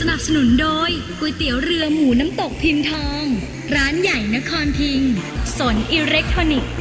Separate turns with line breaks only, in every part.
นับสนุนโดยก๋วยเตี๋ยวเรือหมูน้ำตกพิมพ์ทอง ร้านใหญ่นครพิงค์สนอิเล็กทรอนิกส์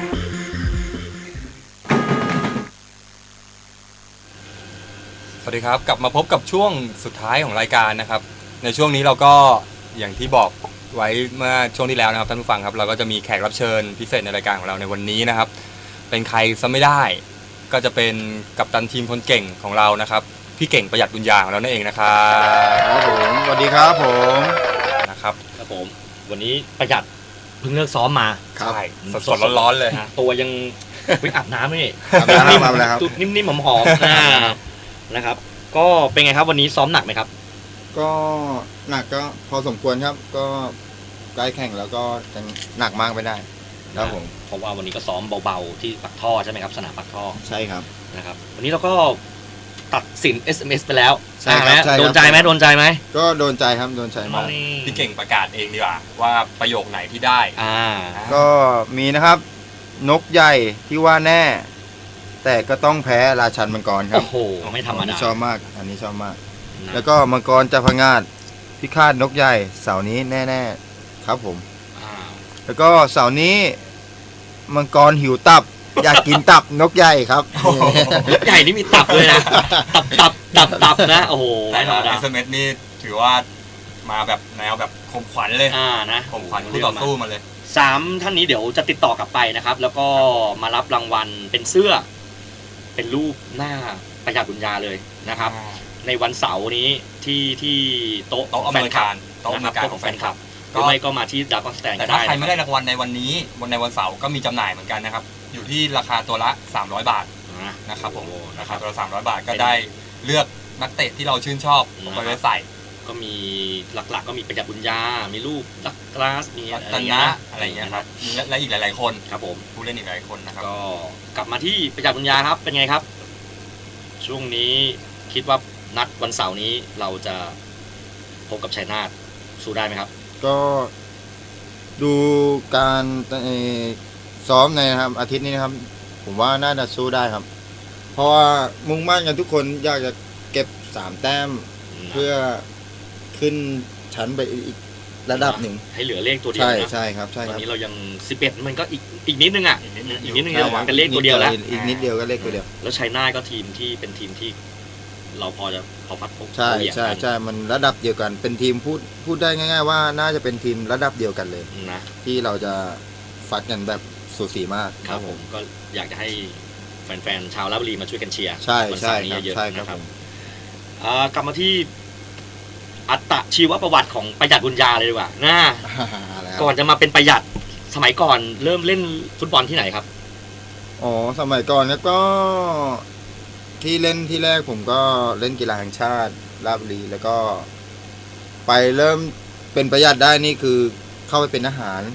สวัสดีครับกลับมาพบกับช่วงสุดท้ายของรายการนะครับในช่วงนี้เราก็อย่างที่บอกไว้เมื่อช่วงที่แล้วนะครับท่านผู้ฟังครับเราก็จะมีแขกรับเชิญพิเศษในรายการของเราในวันนี้นะครับเป็นใครซะไม่ได้ก็จะเป็นกัปตันทีมคนเก่งของเรานะครับพี่เก่งประหยัดบุญญาของเรานั่นเองนะครับ
ครับผมสวัสดีครับผม
นะครับ
ครับผมวันนี้ประหยัดเพิ่งเลิกซ้อมมา
ใช่สดๆร้อนๆเลย
นะตัวยังวิ่งอาบน้ำนี่
มาแล้วครับ
นิ่มๆหอมๆนะครับก็เป็นไงครับวันนี้ซ้อมหนักไหมครับ
ก็หนักก็พอสมควรครับก็ใกล้แข่งแล้วก็จะหนักมากไม่ได้ครับผม
เพราะว่าวันนี้ก็ซ้อมเบาๆที่ปักท่อใช่ไหมครับสนามปักท่อ
ใช่ครับ
นะครับวันนี้เราก็ตัดสิน SMS ไปแล้ว
ใช่ครับ
โดนใจไหม
ก็โดนใจครับโดนใจมาก
พี่เก่งประกาศเองดีกว่าว่าประโยคไหนที่ได้
ก็มีนะครับนกใหญ่ที่ว่าแน่แต่ก็ต้องแพ้ราชันมังกรครับ
โอ้โหไม่ธรรมดา
ชอบมากอันนี้ชอบมากแล้วก็มังกรจะพงาดพิฆาตนกใหญ่เสาร์นี้แน่ๆครับผมแล้วก็เสาร์นี้มังกรหิวตับอยากกินตับนกใหญ่ครับ
นกใหญ่นี่มีตับเลยนะตับนะโอ้โห
ไม่ธรรมดาSMSนี่ถือว่ามาแบบแนวแบบข่มขวัญเลย
นะ
ข่มขวัญคู่ต่อสู้มาเลย
3ท่านนี้เดี๋ยวจะติดต่อกลับไปนะครับแล้วก็มารับรางวัลเป็นเสื้อเป็นรูปหน้าประหยัดบุญญาเลยนะครับในวันเสาร์นี้ที่โต๊ะ
แฟนคลับโต๊ะของแฟนคลับ
หรือไม่ก็มาที่ดาร์กสแตน
แต่ถ้าใครไม่ได้รางวัลในวันนี้ในวันเสาร์ก็มีจำหน่ายเหมือนกันนะครับอยู่ที่ราคาตัวละ300 บาทนะครับผมราคาตัวละ300 บาทก็ได้เลือกนักเตะที่เราชื่นชอบไปไว้ใส่
ก็มีหลักๆก็มีประหยัดบุญญามีลูกดักกลาสมี
อะไรเงี้ยครับและอีกหลายๆคน
ครับผม
ผู้เล่นอีกหลายคนนะครับ
ก็กลับมาที่ประหยัดบุญญาครับเป็นไงครับช่วงนี้คิดว่านัดวันเสาร์นี้เราจะพบกับชัยนาทสู้ได้ไหมครับ
ก็ดูการซ้อมในนะครับอาทิตย์นี้นะครับผมว่าน่าจะสู้ได้ครับเพราะว่ามุ่งมั่นกันทุกคนอยากจะเก็บ3 แต้มเพื่อขึ้นชั้นไปอีกระดับหนึ่ง
ให้เหลือเลขตัวเดียว
ใช่ครับใช่
ครับตอนนี้เรายัง11มันก็อีกนิดนึงอีกนิดนึงเป็นเลขตัวเดียวแล้ว
อีกนิดเดียวก็เลขตัวเดียว
แล้วชัยนาทก็ทีมที่เป็นทีมที่เราพอพัดพบ
ใช่มันระดับเดียวกันเป็นทีมพูดได้ง่ายๆว่าน่าจะเป็นทีมระดับเดียวกันเลย
นะ
ที่เราจะฟัดกันแบบสูสีมาก
ครับผมก็อยากจะให้แฟนๆชาวราชบุรีมาช่วยกันเชียร์
ใช่
ครับกลับมาที่อัตชีวประวัติของประหยัดบุญญาเลยดีกว่าก่อนจะมาเป็นประหยัดสมัยก่อนเริ่มเล่นฟุตบอลที่ไหนครับ
อ๋อสมัยก่อนแล้วก็ที่เล่นที่แรกผมก็เล่นกีฬาแห่งชาติราชบุรีแล้วก็ไปเริ่มเป็นประหยัดได้นี่คือเข้าไปเป็นทหาร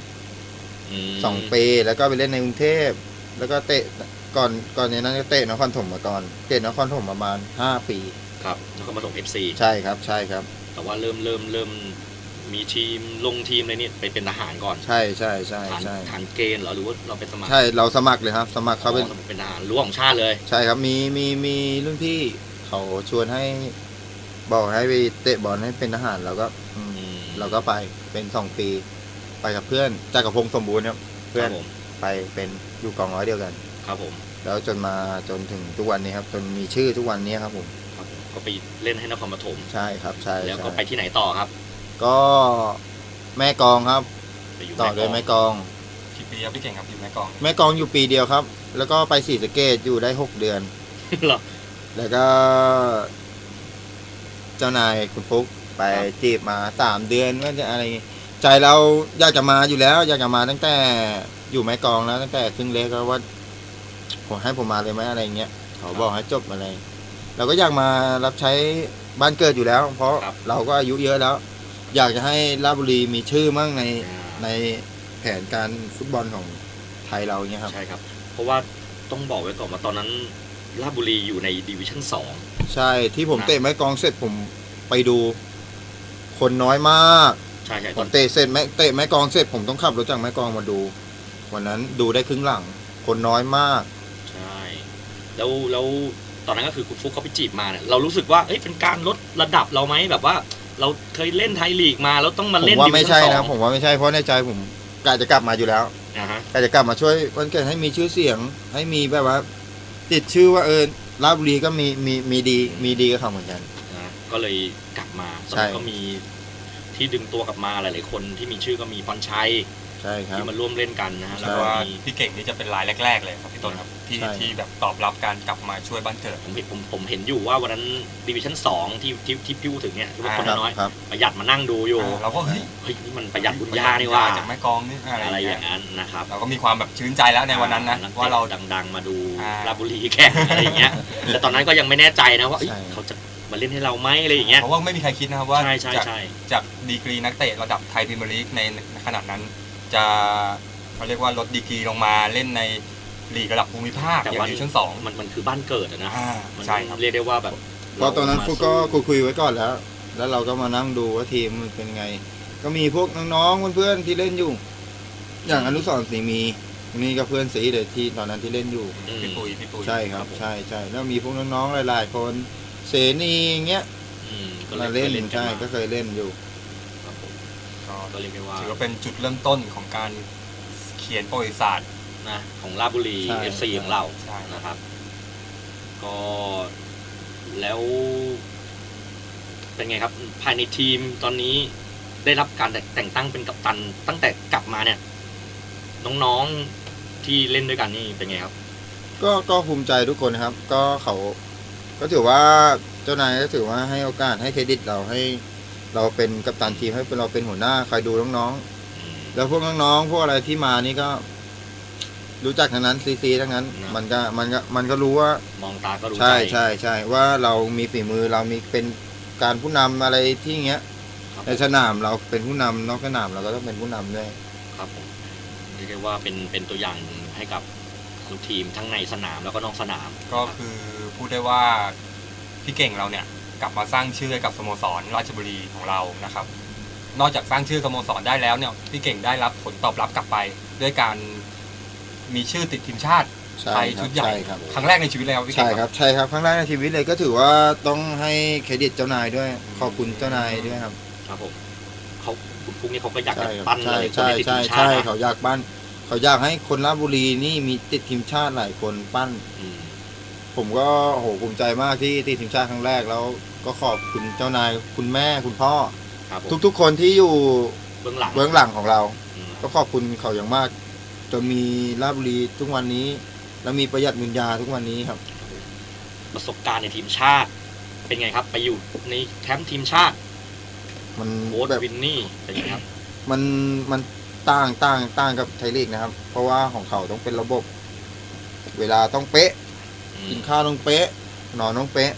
2 ปีแล้วก็ไปเล่นในกรุงเทพแล้วก็เตะก่อนในนั้นก็เตะนครปฐมมาก่อนเตะนครปฐมประมาณ5 ปี
ครับนครปฐม FC
ใช่ครับ
แต่ว่าเริ่มมีทีมลงทีมอะไรนี่ไปเป็นทหารก่อน
ใช่
ทหารเกณฑ์เหรอหรือว่าเราเป็นสมัคร
ใช่เราสมัครเลยครับสมัครเขา
เป็นทหารรั้วของชาติเลย
ใช่ครับมีรุ่นพี่เขาชวนให้บอกให้ไปเตะบอลให้เป็นทหารเราก็ไปเป็น2 ปีไปกับเพื่อนจักรพงศ์สมบูรณ์ครับเพื่อนไปเป็นอยู่กองร้อยเดียวกัน
ครับผม
แล้วจนถึงทุกวันนี้ครับจนมีชื่อทุกวันนี้ครับผม
ก็ไปเล่นให้นครปฐม
ใช่ครับใช่
แล้วก็ไปที่ไหนต่อครับ
ก็แม่กองครับต่อเลยแม่กอง
กี่ปีครับพี่เก่งครับอยู่แม่ก
องอยู่ปีเดียวครับแล้วก็ไปศรีสะเกษอยู่ได้6 เดือนแล้วก็เจ้านายคุณฟุ๊กไปจีบมา3 เดือนว่าจะอะไรใจเราอยากจะมาอยู่แล้วอยากจะมาตั้งแต่อยู่แม่กองแล้วตั้งแต่ครึ่งเล็กก็ว่าผมให้ผมมาเลยไหมอะไรเงี้ยเขาบอกให้จบมาเลยเราก็อยากมารับใช้บ้านเกิดอยู่แล้วเพราะเราก็อายุเยอะแล้วอยากจะให้ราชบุรีมีชื่อมั่งในแผนการฟุตบอลของไทยเราเนี่ยครับ
ใช่ครับเพราะว่าต้องบอกไว้ก่อนว่าตอนนั้นราชบุรีอยู่ในดิวิชั่น2
ใช่ที่ผมเตะไม้กองเสร็จผมไปดูคนน้อยมาก
ใช่
ผมเตะไม้กองเสร็จผมต้องขับรถจากไม้กองมาดูวันนั้นดูได้ครึ่งหลังคนน้อยมาก
ใช่แล้วตอนนั้นก็คือคุณฟุกเขาไปจีบมาเนี่ยเรารู้สึกว่าเอ้ยเป็นการลดระดับเราไหมแบบว่าเราเคยเล่นไทยลีกมาแล้วต้องมา
ผม
เล่น
ว่า
ดิวิ
ไม่
ชั่น
ใช่
สอ
นะ
ง
ผมว่าไม่ใช่เพราะในใจผมกะจะกลับมาอยู่แล้ว
นะฮะ
กะจะกลับมาช่วยวันเกิดให้มีชื่อเสียง ให้มีแบบว่า ติดชื่อว่าราชบุรีก็มีดีกับเขาเหมือนกัน
นะก็เลยกลับมาตอน
ใช่
นั้นก็มีที่ดึงตัวกลับมาหลายๆคนที่มีชื่อก็มีพรชัย
ใช่ครับ
ที่มาร่วมเล่นกันนะฮะ
ใช่
แล้ว
เพ
ก็
ราะว่า
มี
พี่เก่งนี่จะเป็นรายแรก ๆเลยครับพี่ต้นครับที่
ใช่
ที่แบบตอบรับการกลับมาช่วยบ้านเกิด
ผมเห็นอยู่ว่าวันนั้นดิวิชั่น2ที่พี่พูดถึงเนี่ยที่ว่าคน
ครับ
น้อย
ครับ
ประหยัดมานั่งดูอยู่
เราก็เฮ้ย
เฮ้ยนี่มันประหยัดบุญญานี่ว่า
จากแม่กลองนี่
อะ
อะไร ไรอย่
อา
ย่าง งเงี้ย
นั้นนะครับ
เราก็มีความแบบชื่นใจแล้วในวันนั้นนะ
ก
ว่าเรา
ดังๆมาดู
อ่า
ราชบุรีแข่งอะไรอย่างเงี้ยแต่ตอนนั้นก็ยังไม่แน่ใจนะว่าเอ้ย
ใช่
เขาจะมาเล่นให้เราไหมอะไรอย่างเงี้ย
เพราะว่าไม่มีใครคิดนะครับว่า
ใช่ใช่
จาก
ใช่
จากดีกรีนักเตะระดับไทยพรีเมียร์ลีกในขนาดนั้น จะเขาเรียกว่าลดดีกรีลงมาเล่นในลีกระดับภูมิภาคอย่างดิวิชั่นสอง
มันคือบ้านเกิดอะนะ มัน
ใช่ครับ
เรียกได้ว่าแบบ
เพราะตอนนั้นฟุกก็คุยไว้ก่อนแล้ว แล้วเราก็มานั่งดูว่าทีมมันเป็นไง ก็มีพวกน้องๆเพื่อนๆที่เล่นอยู่ อย่างอนุสรณ์ศรีมีนี่ก็เพื่อนสีเลยที่ตอนนั้นที่เล่นอยู่
อืม
พี่ปุย
ใช่ครับ ใช่แล้วมีพวกน้องๆหลายๆคนเสนีอย่างเงี้ย
อืมก็
มาเล่น
กั
ใช่
มา
ก็เคยเล่นอยู่
ครับผม
ก็
ก็เรียกได้ว่า
ถือว่าเป็นจุดเริ่มต้นของการเขียนประวัติศาสตร์
นะของราชบุรี
ใช่
FC ของเรา
ใช่
นะครับ ก็แล้วเป็นไงครับ ภายในทีมตอนนี้ได้รับการแต่งตั้งเป็นกัปตันตั้งแต่กลับมาเนี่ย น้องๆที่เล่นด้วยกันนี่เป็นไงครับ
ก็ภูมิใจทุกคนนะครับ ก็เขาก็ถือว่าเจ้านายก็ถือว่าให้โอกาสให้เครดิตเราให้เราเป็นกัปตันทีมให้เราเป็นหัวหน้าคอยดูน้องๆแล้วพวกน้องๆพวกอะไรที่มานี่ก็ รู้จักทั้งนั้นซีทั้งนั้น
นะ
มันก็รู้ว่า
มองตาก็รู้
ใช่
ใจ
ใช่ว่าเรามีฝีมือเรามีเป็นการผู้นำอะไรที่เงี้ย
ครับ
ในสนามเราเป็นผู้นำนอกสนามเราก็ต้องเป็นผู้นำด้วย
ครับผมเรียกได้ว่าเป็นตัวอย่างให้กับทุกทีมทั้งในสนามแล้วก็นอกสนาม
ก็คือพูดได้ว่าพี่เก่งเราเนี่ยกลับมาสร้างชื่อให้กับสโมสรราชบุรีของเรานะครับ นอกจากสร้างชื่อสโมสรได้แล้วเนี่ยพี่เก่งได้รับผลตอบรับกลับไป ด้วยการมีชื่อติดทีมชาติ
ใช่
ไทย
ครับ
ชุดใหญ่
ใช่ครับ
ครั้งแรกในชีวิตเลยครับพี่เก่
ใช่
ง
ครับใช่ครับครั้งแรกในชีวิตเลยก็ถือว่าต้องให้เครดิตเจ้านายด้วย ขอบคุณเจ้านายด้วยครับ
ครับผมเขาคุณฟุกนี่เขาก็อยาก
ใช่
จะ
ครับ
ปั้น
ใช่
เลยคน
ใช่
ที่ติด
ใช่
ทีมชา
ใช่
ตินะ
เขาอยากปั้นเขาอยากให้คนราชบุรีนี่มีติดทีมชาติหลายคนปั้น
อืม
ผมก็โอ้โหภูมิใจมากที่ติดทีมชาติครั้งแรกแล้วก็ขอบคุณเจ้านายคุณแม่คุณพ่อ
ครับผม
ทุกๆคนที่อยู่
เบื้องหลัง
เบื้องหลังของเรา
อืม
ก็ขอบคุณเขาอย่างมากจนมีราชบุรีทุกวันนี้ แล้วมีประหยัดเงินยาทุกวันนี้ครับ
ประสบการณ์ในทีมชาติ เป็นไงครับไปอยู่ในแคมป์ทีมชาติ
มัน
โค้ช
แบบ
วินนี่เป็นไงครับ
มันต่างกับไทยลีกนะครับ เพราะว่าของเขาต้องเป็นระบบ เวลาต้องเป๊ะ
อืม
กินข้าวต้องเป๊ะนอนต้องเป๊ะ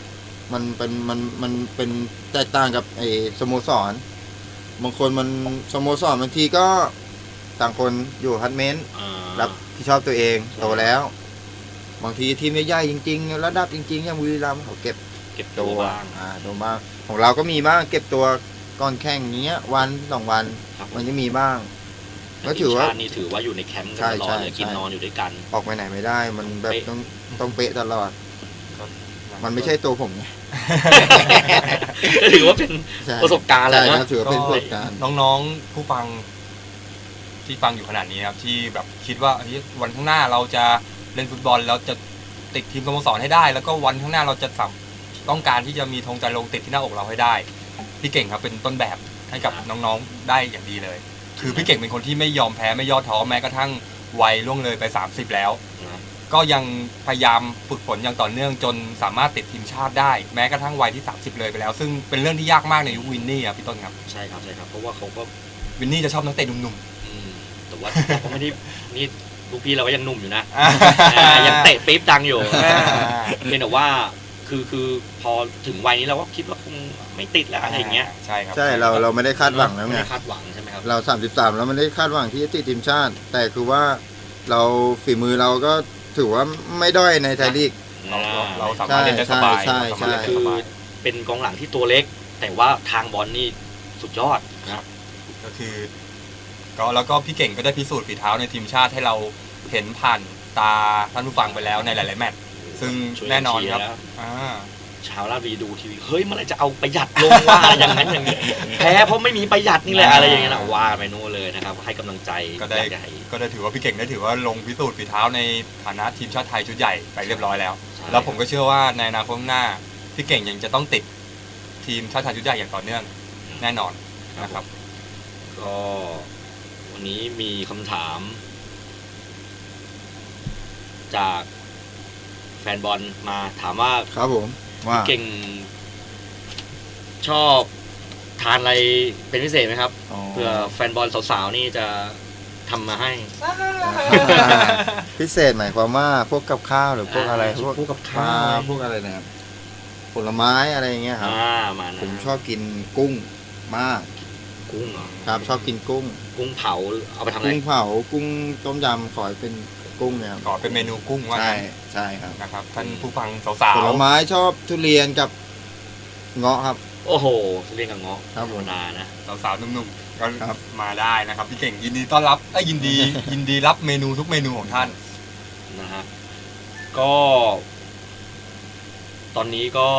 มันเป็นแตกต่างกับไอ้สโมสรบางคนมันสโมสรบางทีก็ต่างคนอยู่ฮัตเมนต์
อ่า
รับผิดชอบตัวเองโตแล้ว บางทีทีมใหญ่ๆจริงๆระดับจริงๆอย่างบุรีรัมย์เขาเก็บ
เก็บ
ตั
ตัว
ว
บ้าง
ตัวบ้างของเราก็มีบ้างเก็บตัวก่อนแข่งอย่างเงี้ยวัน2 วัน
ครับ
มันจะมีบ้าง ก็
ที
ถื
ม
อว่า
ชาตินี่ถือว่าอยู่ในแคมป์กัน
ใช่
ตลอด
ใช่
เลยกิน
ใช่
นอนอยู่ด้วยกัน
ออกไปไหนไม่ได้ มันแบบ
เป๊ะ
ต้องเป๊ะตลอด มันไม่ใช่ตัวผมไง
ก็ถือว่าเป็น
ใช่
ประสบการณ์แหละ
ใช่
นะ
ครับถือว่าเป็นประสบการณ์
น้องๆผู้ฟังที่ฟังอยู่ขนาดนี้นะครับที่แบบคิดว่าเฮ้ยวันข้างหน้าเราจะเล่นฟุตบอลแล้วจะติดทีมสโมสรให้ได้ แล้วก็วันข้างหน้าเราจะต้องการที่จะมีธงใจลงติดที่หน้าอกเราให้ได้พี่เก่งครับเป็นต้นแบบให้กับน้องๆได้อย่างดีเลย คือพี่เก่งเป็นคนที่ไม่ยอมแพ้ไม่ย่อท้อแม้กระทั่งวัยล่วงเลยไป30แล้ว ก็ยังพยายามฝึกฝนอย่างต่อเนื่องจนสามารถติดทีมชาติได้แม้กระทั่งวัยที่30เลยไปแล้ว ซึ่งเป็นเรื่องที่ยากมากในยุควินนี่ครับพี่ต้นครับ
ใช่ครับใช่ครับเพราะว่าเขาก็
วินนี่จะชอบนักเตะหนุ่ม
แต่ว่าเราก็ไม่ได้นี่ลูกพี่เราก็ยังหนุ่มอยู่นะ
ๆ
ยังเตะปี๊บดังอยู่
อ่า
เพียงแต่ว่าคือพอถึงวัยนี้เราก็คิดว่าคงไม่ติดแล้วอะไรอย่างเงี้ย
ใช่ครับ
ใช่เราไม่ได้คาดหวังแล้ว
ไม่
ไง
ได้คาดหวังใช่ไหมครับ
เรา33แล้วไม่ได้คาดหวังที่จะติดทีมชาติ แต่คือว่าเราฝีมือเราก็ถือว่าไม่ด้อยในไทยลีก
เราสามารถเล่นได้สบาย
ใช่
เราสามารถเล่นได้
คือ
สบาย
เป็นกองหลังที่ตัวเล็ก แต่ว่าทางบอลนี่สุดยอดนะครับ
ก็คือก็แล้วก็พี่เก่งก็ได้พิสูจน์ฝีเท้าในทีมชาติให้เราเห็นผ่านตาท่านผู้ฟังไปแล้วในหลายๆแมตช์ซึ่ง
ช่วยกั
แน่นอนครับ
เชียแล้ว
อ่า
ชาวราชบุรีดูทีวีเฮ้ยเมื่อไหรจะเอาประหยัดลงว่าอะไรอย่างนั้นอย่างนี้แพ้เพราะไม่มีประหยัดนี่แหละอะไรอย่างเงี้ยนะว่าไปนู่นเลยนะครับให้กำลังใจ
ก็ได้
อยาให้
ก็ได้ถือว่าพี่เก่งได้ถือว่าลงพิสูจน์ฝีเท้าในฐานะทีมชาติไทยชุดใหญ่ไปเรียบร้อยแล้ว
ใช่
แล้วผมก็เชื่อว่าในอนาคตข้างหน้าพี่เก่งยังจะต้องติดทีมชาติไทยชุดใหญ่อย่างต่อเนื่องแน่นอนนะครับ
ก็วันนี้มีคำถาม จากแฟนบอลมาถามว่า
ครับผมว่า
เก่งชอบทานอะไรเป็นพิเศษไหมครับ
อ๋อ
เพื่อแฟนบอลสาวๆนี่จะทำมาให้
พิเศษหมายความว่าพวกกับข้าวหรือพวกอะไร
พวกกับ
ป
ข้า
ลาว พวกอะไรนะครับผลไม้อะไรอย่างเงี้ยครับ
มานะ
ผมชอบกินกุ้งมาก
กุ้งเหรอ
ครับ ชอบกินกุ้ง
กุ้งเผาเอาไปทำอะไร
กุ้งเผากุ้งต้มยำขอให้เป็นกุ้งเนี่ยครับ
ขอเป็นเมนูกุ้งว่า
ใช่
งั้น
ใช่ครับ
นะครับท่านผู้ฟังสาว
ผลไม้ชอบทุเรียนกับเงาะครับ
โอ้โหเรียกกับเงาะ
ครับผม
ธรรมดานะ
ๆสาวๆหนุ่มๆก็
ครับ
มาได้นะครับพี่เก่งยินดีต้อนรับยินดี ยินดีรับเมนูทุกเมนูของท่าน
นะฮะก็ตอนนี้ก็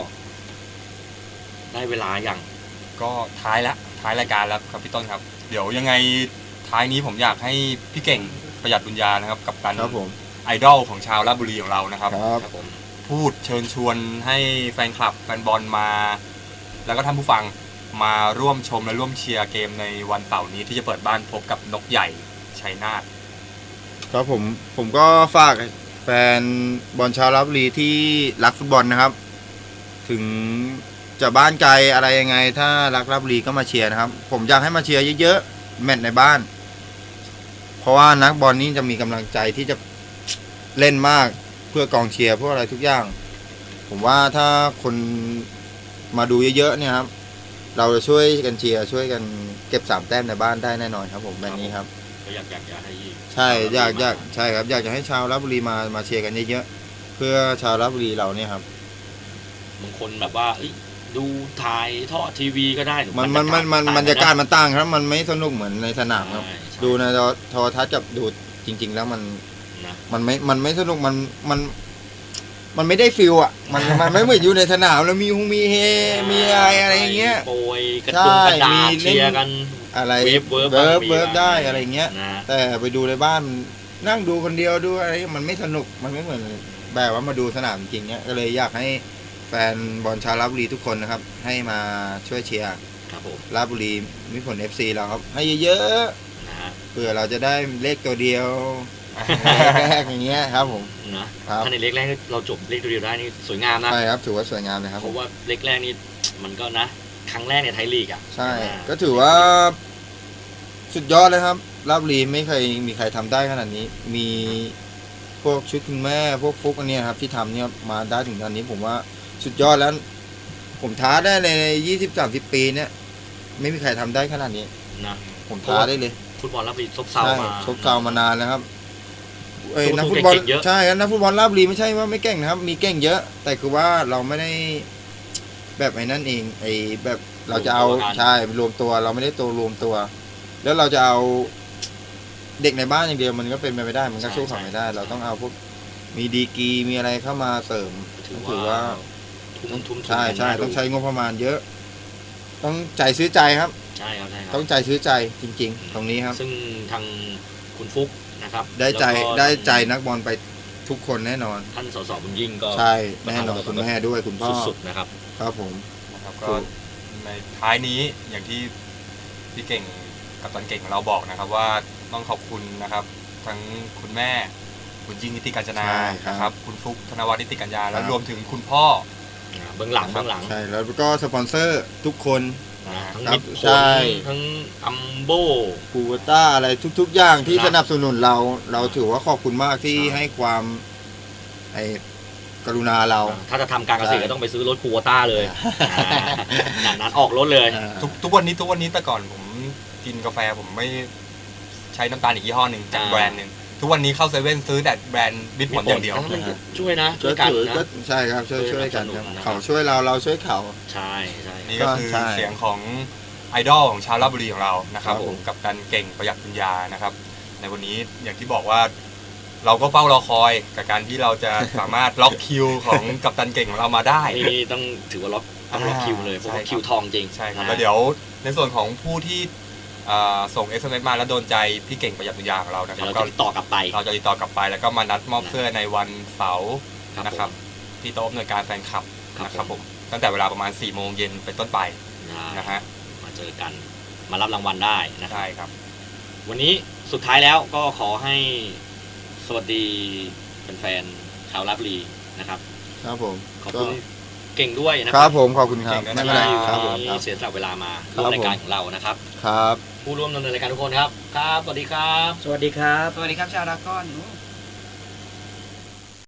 ได้เวลาอย่าง
ก็ท้ายรายการแล้วครับพี่ต้นครับ เดี๋ยวยังไงท้ายนี้ผมอยากให้พี่เก่งประหยัดบุญญานะครับกับการ
ครับผม
ไอดอลของชาวราชบุรีของเรานะครับ
ครับ
ครับผม
พูดเชิญชวนให้แฟนคลับแฟนบอลมา แล้วก็ท่านผู้ฟังมาร่วมชมและร่วมเชียร์เกมในวันเสาร์นี้ที่จะเปิดบ้านพบกับนกใหญ่ชัยนาท
ครับผมก็ฝากแฟนบอลชาวราชบุรีที่รักฟุตบอลนะครับ ถึงจะบ้านไกลอะไรยังไง ถ้ารักราชบุรีก็มาเชียร์นะครับ ผมอยากให้มาเชียร์เยอะๆแมตช์ในบ้าน เพราะว่านักบอลนี่จะมีกำลังใจที่จะเล่นมากเพื่อกองเชียร์เพื่ออะไรทุกอย่าง ผมว่าถ้าคนมาดูเยอะๆเนี่ยครับ เราจะช่วยกันเชียร์ช่วยกันเก็บ3 แต้มในบ้านได้แน่นอนครับผมแบบนี้ครับ
ก็อยากให้
ใช่อยากใช่ครับอยากจะให้ชาวราชบุรีมาเชียร์กันเยอะๆเพื่อชาวราชบุรีเราเนี่ยครับ
บางคนแบบว่าเอ้ยดูถ่ายทอดทีวีก็ได้หรือบ
มัน
ต่ง
บรรยากาศมันต่างครับ มันไม่สนุกเหมือนในสนามครับ
ใช่ใช่
ดูในโทรทัศน์กับดูจริง ๆ แล้วมัน
นะ
มันไม่สนุกมันไม่ได้ฟิลอ่ะมันไม่เหมือนอยู่ในสนามแล้วมีเฮมีอะไรอย่างเงี้ย
โปรยกระ
ใช่
ดุมกระดา
มี
ษ
เล่น
เชียร์กัน
อะไร
เวิร์ฟ
เวิร์ฟได้อะไรเงี้ย
นะ
แต่ไปดูในบ้านนั่งดูคนเดียวดูอะไรมันไม่สนุกมันไม่เหมือนแบบว่ามาดูสนามจริงเนี้ยก็เลยอยากให้แฟนบอลชาวราชบุรีทุกคนนะครับ ให้มาช่วยเชียร์
ครับผม
ราชบุรีมิตรผล FC เราครับ ให้เยอะ
นะฮะ
ๆเพื่อเราจะได้เลขตัวเดียวแรกอย่างเงี้ยครับผม
นะครับ ถ้าในเล็กแรกเราจบเลขตัวเดียวได้นี่สวยงามนะ
ใช่ครับถือว่าสวยงามเลยครับ
เพราะว่าเล็กแรกนี่มันก็นะ ครั้งแรกในไทยลีกอ่ะ
ใช่ก็ถือว่าสุดยอดเลยครับราชบุรีไม่เคยมีใครทำได้ขนาดนี้ มีพวกชุดคุณแม่พวกฟุกอันเนี้ยครับที่ทำเนี่ยมาได้ถึงตอนนี้ผมว่าสุดยอดแล้ว ผมท้าได้ใน20-30 ปีเนี่ยไม่มีใครทำได้ขนาดนี้
นะ
ผมท้าได้เลย
ฟุตบอลรับรีซบเซา
ใช่
มา
ชกเก่ามานานแล้วครับเอ้ย
สู้
นักฟุตบอล
เก่งๆเยอะ
ใช่ครับนักฟุตบอลราชบุรีไม่ใช่ว่าไม่เก่งนะครับ มีเก่งเยอะ แต่คือว่าเราไม่ได้แบบไอ้นั่นเองไอ้แบบเราจะเอาใช่รวมตัวเราไม่ได้ตัวรวมตัว แล้วเราจะเอาเด็กในบ้านอย่างเดียวมันก็เป็นไปไม่ได้มันก็สู้เขาไม่ได้ เราต้องเอาพวกมีดีกรีมีอะไรเข้ามาเสริม
ถือว่าทุ่ม
ใช่
กัน
ใช่
น่าดู
ต้องใช้งบประมาณเยอะ ต้องใจซื้อใจครับ
ใช่ครับใช่ครับ
ต้องใจซื้อใจจริง ๆ ตรงนี้ครับ
ซึ่งทางคุณฟุกนะครับ
ได้ใจ
แล้วก็
ได้ใจนักบอลไปทุกคนแน่นอน
ท่านสสบุญยิ่งก็
ใช่แน่นอนคุณแม่ด้วยคุณพ่อ
สุดๆนะครับ
ครับผม
นะครับก็ในท้ายนี้อย่างที่พี่เก่งกับตันเก่งของเราบอกนะครับว่าต้องขอบคุณนะครับ ทั้งคุณแม่คุณยิ่งนิติกัญจนา
ใช่ครับ
นะครับคุณฟุกธนวัฒน์นิติกัญญา
ครั
และ
บ
รวมถึงคุณพ่อ
เบื้องหลังเบื้องหลัง
ใช่แล้วก็สปอนเซอร์ทุกคน
ทั้ง
ครับ
มิดผ
ใช่
ลทั้งอัมโบ
กูวต้าอะไรทุกๆ อย่างที่
ครับ
สนับสนุนเราถือว่าขอบคุณมากที่ให้ความไอ้กรุณาเรา
ถ้าจะทำการเกษตร
ใช่
ก็ต้องไปซื้อรถคูวต้าเลยนั้นออกรถเลย
ทุกวันนี้แต่ก่อนผมกินกาแฟผมไม่ใช้น้ำตาลอีกยี่ห้อหนึ่งจากแบรนด์หนึ่งทุกวันนี้เข้าเซเว่นซื้อแต่แบรนด์มิตรผลอย่างเดียว
ช่วยนะช่
ก็
วยกัน
ถือ
นะ
ก็ใช่ครับช่วยกันครับ
นะครับ
เขาช่วยเราช่วยเขา
ใช่ใช่
นี่ก็คือ
ใช่
เสียงของไอดอลของชาวราชบุรีของเรานะครับ
ครับ
ผ
ผม ม
กับการเก่งประหยัดปัญญานะครับ ในวันนี้อย่างที่บอกว่าเราก็เฝ้ารอคอยกับการที่เราจะสามารถล็อกคิวของกัปตันเก่งของเรามาได้
นี่ต้องถือว่าต้องล็อกคิวเลยเพราะว่า
ใช่ครับ
คิวทองจริง
ใช่ครับ
นะ
แล้วเดี๋ยวในส่วนของผู้ที่ส่ง SMS มาแล้วโดนใจพี่เก่งประหยัดวิญญาของเรานะค
เดี๋ย
รั
ว
บ
เราจะติดต่อกลับไป
เราจะติดต่อกลับไปแล้วก็มานัดมอบเสื้อในวันเสาร์
ครับ
นะครับที่โต๊ะอำนวยการแฟนคลับ
ครับ
นะครับผมตั้งแต่เวลาประมาณ4 โมงเย็นเป็นต้นไปนะฮะ
มาเจอกันมารับรางวัลได้นะครับ
ใช่ครับ
วันนี้สุดท้ายแล้วก็ขอให้สวัสดีแฟนๆชาวราชบุรีนะครับ
ครับผม
ขอบคุณเก่งด้วยนะ
ค
ค
รั
รั
บผมขอบคุณครับ
เก่ง
ไม่
ด้วย
เป็นไร
นะครับ
ผม
ที่เสียสละเวลามา
ครั
ร่ว
บ
มรายการของเรานะครับ
ครับ
ผู้ร่วมดำเนินรายการทุกคนครับ ครับ สวัสดีครับ
สวัสดีครับ
สวัสดีครับชาวดราก้อน